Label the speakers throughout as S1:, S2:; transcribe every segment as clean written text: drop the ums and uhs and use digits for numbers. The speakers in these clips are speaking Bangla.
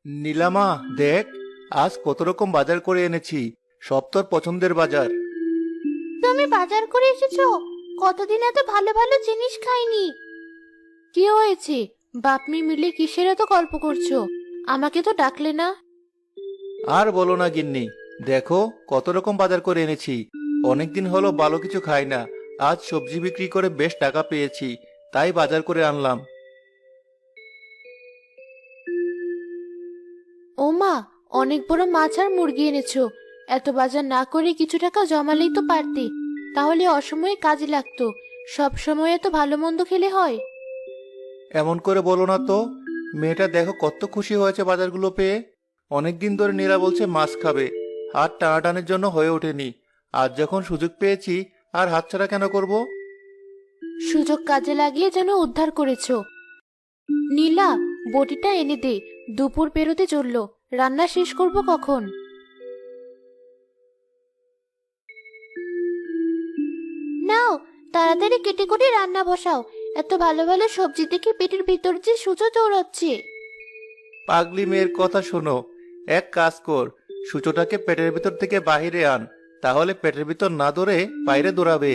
S1: নীলামা, দেখ আজ কত রকম বাজার করে এনেছি। সব তোর পছন্দের বাজার।
S2: তুমি বাজার করে এসেছো? কতদিন এত ভালো ভালো জিনিস খাইনি। কি হয়েছে? বাপ মেয়ে মিলে কিসের এত গল্প করছো? আমাকে তো ডাকলে না।
S1: আর বলো না গিন্নি, দেখো কত রকম বাজার করে এনেছি। অনেকদিন হলো ভালো কিছু খাই না। আজ সবজি বিক্রি করে বেশ টাকা পেয়েছি, তাই বাজার করে আনলাম।
S2: ও মা, অনেক বড় মাছ আর মুরগি এনেছো। এত বাজার না করে কিছু টাকা জমালেই তো পারতে। তাহলে অসময়ে কাজে লাগতো। সব সময় এত ভালো মন্দ খেলে হয়?
S1: এমন করে বলো না তো। মেয়েটা দেখো কত খুশি হয়েছে বাজারগুলো পেয়ে। অনেকদিন ধরে নীলা বলছে মাছ খাবে, হাত টানাটানির জন্য হয়ে ওঠেনি। আজ যখন সুযোগ পেয়েছি, আর হাতছাড়া কেন করব?
S2: সুযোগ কাজে লাগিয়ে যেন উদ্ধার করেছো। নীলা, বটিটা এনে দে। দুপুর পেরোতে চললো, রান্না শেষ করব কখন? নাও, তাড়াতাড়ি কেটে করে রান্না বসাও। এত ভালো ভালো সবজি দেখে পেটের ভিতর যে সূচো দৌড়াচ্ছে।
S1: পাগলি মেয়ের কথা শোনো। এক কাজ কর, সূচোটাকে পেটের ভিতর থেকে বাহিরে আন, তাহলে পেটের ভিতর না দৌড়ে বাইরে দৌড়াবে।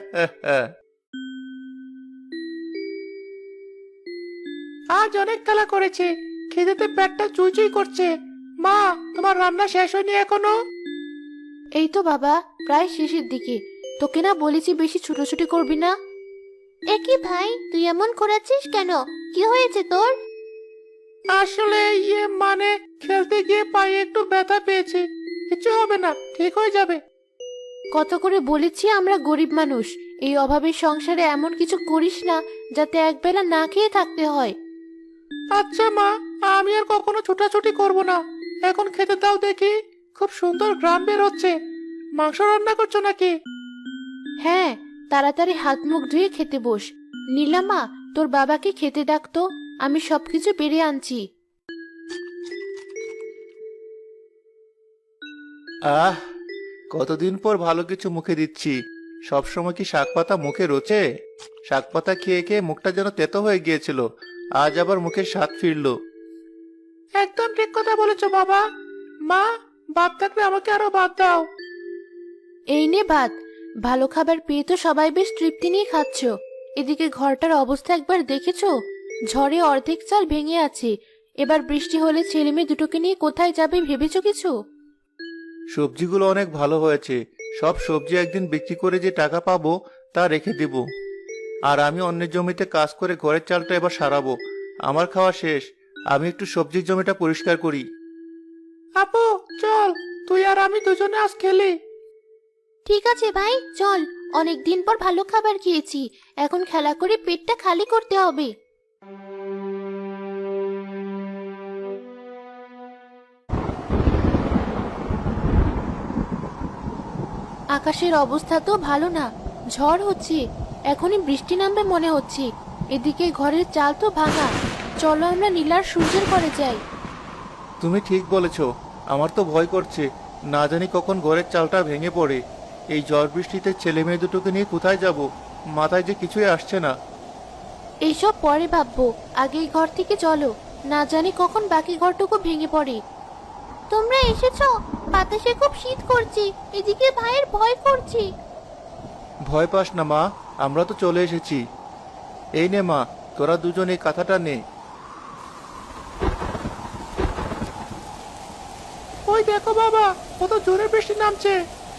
S1: আজ অনেক খেলা করেছে, খিদেতে পেটটা চুইচুই করছে। মা, তোমার রান্না শেষ হয়নি এখনো?
S2: এই তো বাবা, প্রায় শেষের দিকে। তোকে না বলেছি বেশি ছুটোছুটি করবি না? একই ভাই, তুই এমন করেছিস কেন? কি হয়েছে তোর?
S1: আসলে মানে খেলতে গিয়ে পায়ে একটু ব্যথা পেয়েছি। কিছু হবে না, ঠিক হয়ে যাবে।
S2: কত করে বলেছি আমরা গরিব মানুষ, এই অভাবের সংসারে এমন কিছু করিস না যাতে একবেলা না খেয়ে থাকতে হয়।
S1: আচ্ছা মা, আমি আর কখনো ছোটাছুটি করব না। এখন খেতে দাও দেখি। খুব সুন্দর ঘ্রাণ বের হচ্ছে। মাংস রান্না করছো নাকি?
S2: হ্যাঁ, তাড়াতাড়ি হাত মুখ ধুয়ে খেতে বস। নীলামা, তোর বাবাকে খেতে ডাকতো, আমি সবকিছু বেড়ে আনছি।
S1: আহ, কতদিন পর ভালো কিছু মুখে দিচ্ছি। সব সময় কি শাক পাতা মুখে রোচে? শাক পাতা খেয়ে খেয়ে মুখটা যেন তেতো হয়ে গিয়েছিল। আজ আবার মুখের স্বাদ ফিরলো। একদম ঠিক কথা বলেছো বাবা। মা, ভাত থাকলে আমাকে আরো ভাত দাও।
S2: এই নে ভাত। ভালো খাবার পেয়ে তো সবাই বেশ তৃপ্তি নিয়ে খাচ্ছ। এদিকে ঘরটার অবস্থা একবার দেখেছো? ঝড়ে অর্ধেক চাল ভেঙে আছে। এবার বৃষ্টি হলে ছেলে মেয়ে দুটোকে নিয়ে কোথায় যাবে ভেবেছো কিছু?
S1: সবজিগুলো অনেক ভালো হয়েছে। সব সবজি একদিন বিক্রি করে যে টাকা পাবো তা রেখে দেব। আর আমি অন্যের জমিতে কাজ করে ঘরের চালটা এবার সারাবো। আমার খাওয়া শেষ। আমি একটু সবজির জমিটা পরিষ্কার করি। আপু, চল, তুই আর আমি দুজনে আজ খেলি।
S2: ঠিক আছে ভাই, চল। অনেক দিন পর ভালো খাবার খেয়েছি। এখন খেলা করে পেটটা খালি করতে হবে। আকাশের অবস্থা তো ভালো না। ঝড় হচ্ছে, এখনই বৃষ্টি নামবে মনে হচ্ছে। এদিকে ঘরের চাল তো ভাঙা। চলো আমরা নীলার সূর্যের ঘরে যাই।
S1: তুমি ঠিক বলেছ। আমার তো ভয় করছে, না জানি কখন ঘরের চালটা ভেঙে পড়ে। এই ঝড় বৃষ্টিতে ছেলে মেয়ে দুটোকে নিয়ে কোথায় যাব? মাথায় যে কিছুই আসছে না।
S2: এইসব পরে ভাববো, আগে এই ঘর থেকে চলো। না জানি কখন বাকি ঘরটুকু ভেঙে পড়ে। তোমরা এসেছো? বাতাসে খুব শীত করছে। এদিকে ভাইয়ের ভয় করছে।
S1: ভয় পাস না মা, আমরা তো চলে এসেছি। এই নে মা, তোরা দুজন এই কাঁথাটা নে। ওই দেখো বাবা, কত জোরে বৃষ্টি নামছে।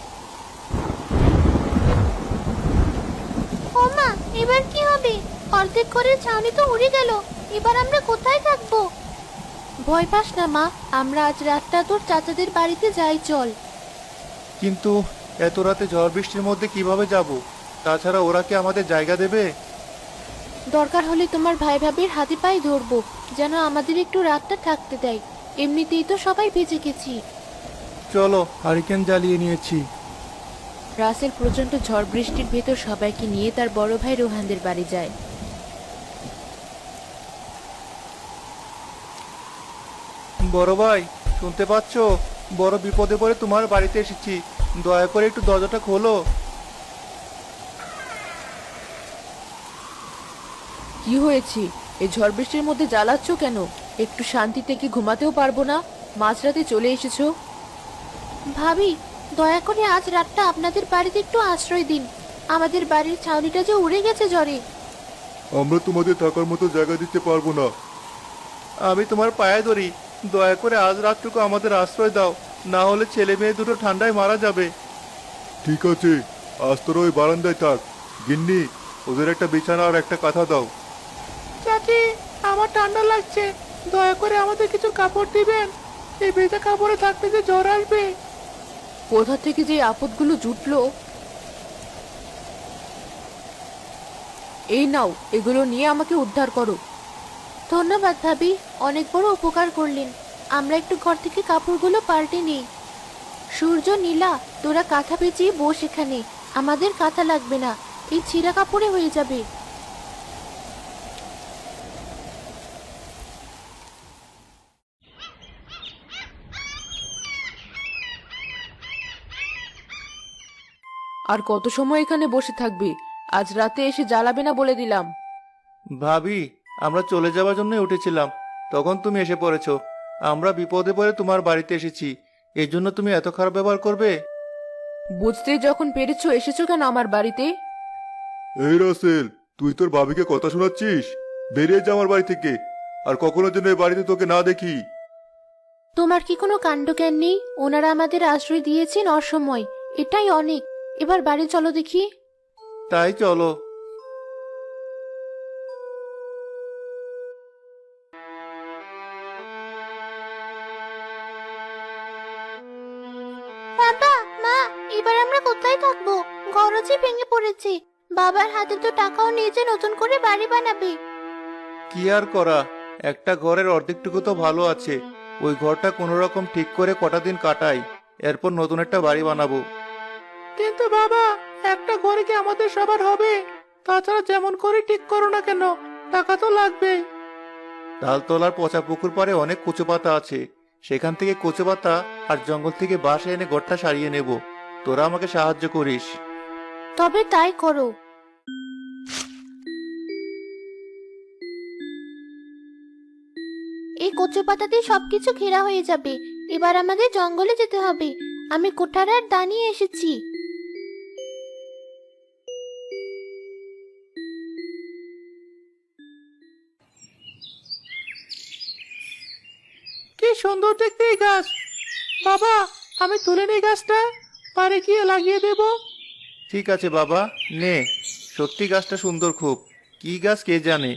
S2: ও মা, এবার কি হবে? অর্ধেক ঘরের ছাউনি তো উড়ে গেল। এবার আমরা কোথায় থাকবো? ভয় পাস না মা, আমরা আজ রাতটা তোর চাচাদের বাড়িতে যাই, চল।
S1: কিন্তু এত রাতে ঝড় বৃষ্টির মধ্যে কিভাবে যাব? তাছাড়া ওরা কি আমাদের জায়গা দেবে?
S2: দরকার হলে তোমার ভাই ভাবির হাতে পায়ে ধরবো, যেন আমাদের একটু রাতটা থাকতে দেয়। এমনিতেই তো সবাই ভিজে গেছি।
S1: চলো, হারিকেন জ্বালিয়ে নিয়েছি।
S2: রাসেল প্রচন্ড ঝড় বৃষ্টির ভেতর সবাইকে নিয়ে তার বড় ভাই রোহানদের বাড়ি যায়।
S1: বড় ভাই, শুনতে পাচ্ছো? বড় বিপদে পড়ে তোমার বাড়িতে এসেছি। দয়া করে একটু দরজাটা খোলো।
S2: কি হয়েছে? এই ঝড় বৃষ্টির মধ্যে জ্বালাচ্ছ কেন? একটু শান্তিতে কি ঘুমাতেও পারবো না? মাঝরাতে চলে এসেছো। ভাবি, দয়া করে আজ রাতটা আপনাদের বাড়িতে একটু আশ্রয় দিন। আমাদের বাড়ির ছাউনিটা যে উড়ে গেছে ঝড়ে।
S3: আমরা তোমাদের থাকার মতো জায়গা দিতে পারবো না।
S1: আমি তোমার পায়ে ধরি, দয়া করে আজ রাতটুকু আমাদের আশ্রয় দাও, না হলে ছেলে মেয়ে দুটো ঠান্ডায় মারা যাবে।
S3: ঠিক আছে, আজ তোরা ওই বারান্দায় থাক। গিন্নি, ওদের একটা বিছানা আর একটা কাঁথা দাও।
S1: চাচি, আমার ঠান্ডা লাগছে, দয়া করে আমাদের কিছু কাপড় দিবেন। এই ভেজা কাপড়ে থাকতে যে জ্বর আসবে।
S2: কোথা থেকে যে আপদগুলো জুটলো। এই নাও, এগুলো নিয়ে আমাকে উদ্ধার করো। ধন্যবাদ ভাবি, অনেক বড় উপকার করলেন। আমরা একটু ঘর থেকে কাপড়গুলো পাল্টে নিই। সূর্য, নীলা, তোরা কাঁথা পেঁচিয়ে বস এখানে। আমাদের কাঁথা লাগবে না, এই ছিঁড়া কাপড়ে হয়ে যাবে। আর কত সময় এখানে বসে থাকবে? আজ রাতে এসে জ্বালাবে না বলে দিলাম।
S1: ভাবি, আমরা চলে যাওয়ার জন্যই উঠেছিলাম, তখন তুমি এসে পড়েছো। আমরা বিপদে পড়ে তোমার বাড়িতে এসেছি, এই জন্য তুমি এত খারাপ ব্যবহার করবে?
S2: বুঝতে যখন পেরেছো, এসেছো কেন আমার বাড়িতে?
S3: এই রাসেল, তুই তোর ভাবিকে কথা শোনাচ্ছিস? বেরিয়ে যা আমার বাড়ি থেকে, আর কখনো যেন এই বাড়িতে তোকে না দেখি।
S2: তোমার কি কোনো কাণ্ডজ্ঞান নেই? ওনারা আমাদের আশ্রয় দিয়েছেন অসময়, এটাই অনেক। এবার বাড়ি চলো দেখি।
S1: তাই চলো।
S2: বাবা, মা, এবার আমরা কোথায় থাকবো? ঘরও যে ভেঙে পড়েছে। বাবার হাতে তো টাকাও নিয়ে যে নতুন করে বাড়ি বানাবে।
S1: কি আর করা, একটা ঘরের অর্ধেকটুকু তো ভালো আছে, ওই ঘরটা কোনো রকম ঠিক করে কটা দিন কাটাই, এরপর নতুন একটা বাড়ি বানাবো। কিন্তু বাবা, একটা ঘরে কি আমাদের সবার হবে? তাছাড়া যেমন করে ঠিক করো না কেন, টাকা তো লাগবে। তালতলার পচা পুকুর পাড়ে অনেক কচু পাতা আছে, সেখান থেকে কচু পাতা আর জঙ্গল থেকে বাঁশ এনে ঘরটা সারিয়ে নেব। তোরা আমাকে সাহায্য করিস।
S2: তবে তাই করো। এই কচু পাতাতে সবকিছু ঘেরা হয়ে যাবে। এবার আমাদের জঙ্গলে যেতে হবে। আমি কোঠার আর দা নিয়ে এসেছি।
S1: কি সুন্দর দেখতে এই গাছ। বাবা, আমি তুলে নেই গাছটা, পারে গিয়ে লাগিয়ে দেব। ঠিক আছে বাবা, নে। সত্যি গাছটা সুন্দর খুব, কি গাছ কে জানে।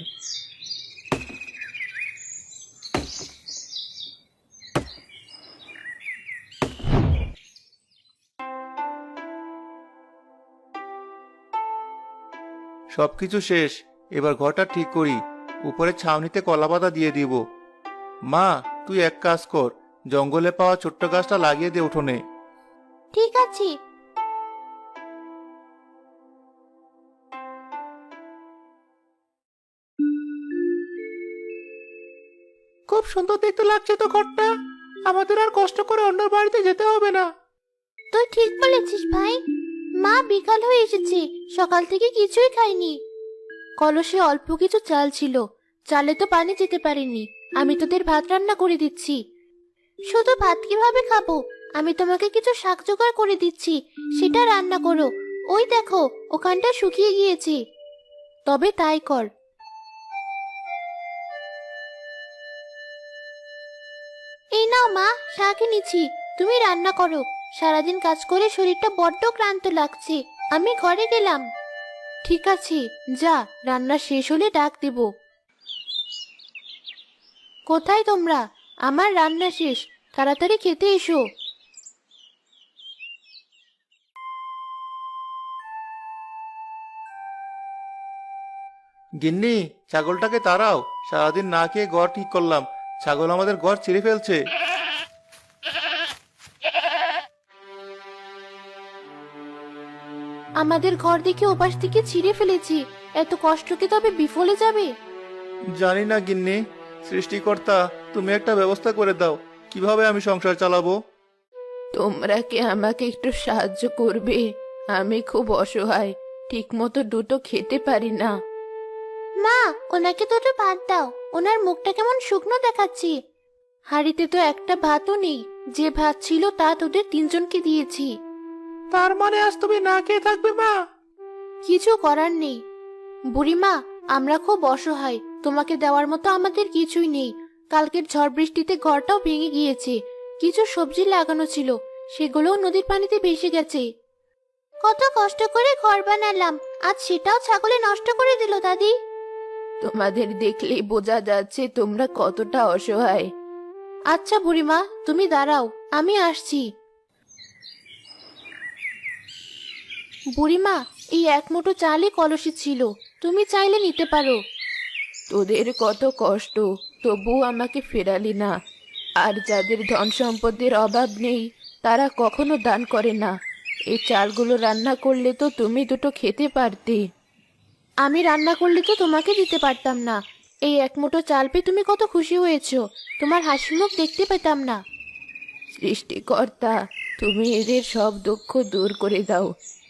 S1: সবকিছু শেষ, এবার ঘরটা ঠিক করি। উপরে ছাউনিতে কলাপাতা দিয়ে দিব। মা, তুই এক কাজ কর, জঙ্গলে পাওয়া ছোট্ট গাছটা লাগিয়ে দে উঠোনে।
S2: ঠিক আছে।
S1: খুব সুন্দর দেখতে লাগছে তো ঘরটা, আমাদের আর কষ্ট করে অন্য বাড়িতে যেতে হবে না।
S2: তুই ঠিক বলেছিস ভাই। মা, বিকাল হয়ে এসেছে, সকাল থেকে কিছুই খাইনি। কলসে অল্প কিছু চাল ছিল, চালে তো পানি যেতে পারেনি। আমি তোদের ভাত রান্না করে দিচ্ছি। শুধু ভাত কিভাবে খাবো? আমি তোমাকে কিছু শাক জোগাড় করে দিচ্ছি, সেটা রান্না করো। ওই দেখো, ওখানটা শুকিয়ে গিয়েছে। তবে তাই কর। এই নাও মা, শাক এনেছি, তুমি রান্না করো। সারাদিন কাজ করে শরীরটা বড্ড ক্লান্ত লাগছে। আমি ঘরে গেলাম। ঠিক আছে, যা, রান্না শেষ হলে ডাক দেব। কোথায় তোমরা? আমার রান্না শেষ, তাড়াতাড়ি খেতে এসো।
S1: গিন্নি, ছাগলটাকে তাড়াও, সারাদিন না খেয়ে ঘর ঠিক করলাম, ছাগল আমাদের ঘর ছিঁড়ে ফেলছে।
S2: আমাদের ঘর দেখে ওপাশ থেকে ছিঁড়ে ফেলেছি। এত কষ্ট কি তবে বিফলে যাবে?
S1: জানি না গিন্নি, সৃষ্টিকর্তা তুমি একটা ব্যবস্থা করে দাও, কিভাবে আমি সংসার চালাবো।
S2: তোমরা কি আমাকে একটু সাহায্য করবে? আমি খুব অসহায়, ঠিক মতো দুটো খেতে পারি না। মা, ওনাকে দুটো ভাত দাও, ওনার মুখটা কেমন শুকনো দেখাচ্ছে। হাঁড়িতে তো একটা ভাতও নেই, যে ভাত ছিল তা তোদের তিনজনকে দিয়েছি।
S1: তার মানে আজ তুমি না খেয়ে থাকবে মা?
S2: কিছু করার নেই বুড়িমা, আমরা খুব অসহায়, তোমাকে দেওয়ার মতো আমাদের কিছুই নেই। কালকের ঝড় বৃষ্টিতে ঘরটাও ভেঙে গিয়েছে, কিছু সবজি লাগানো ছিল, সেগুলোও নদীর পানিতে ভেসে গেছে। কত কষ্ট করে ঘর বানালাম, আজ সেটাও ছাগলে নষ্ট করে দিল দাদি। তোমাদের দেখলেই বোঝা যাচ্ছে তোমরা কতটা অসহায়। আচ্ছা বুড়িমা, তুমি দাঁড়াও, আমি আসছি। বুড়িমা, এই এক মুঠো চালই কলসি ছিল, তুমি চাইলে নিতে পারো। তোদের কত কষ্ট, তবু আমাকে ফেরালি না। আর যাদের ধন সম্পদের অভাব নেই তারা কখনো দান করে না। এই চালগুলো রান্না করলে তো তুমি দুটো খেতে পারতে। আমি রান্না করলে তো তোমাকে দিতে পারতাম না। এই এক মুঠো চাল পেয়ে তুমি কত খুশি হয়েছো, তোমার হাসি মুখ দেখতে পেতাম না। সৃষ্টিকর্তা, তুমি এদের সব দুঃখ দূর করে দাও।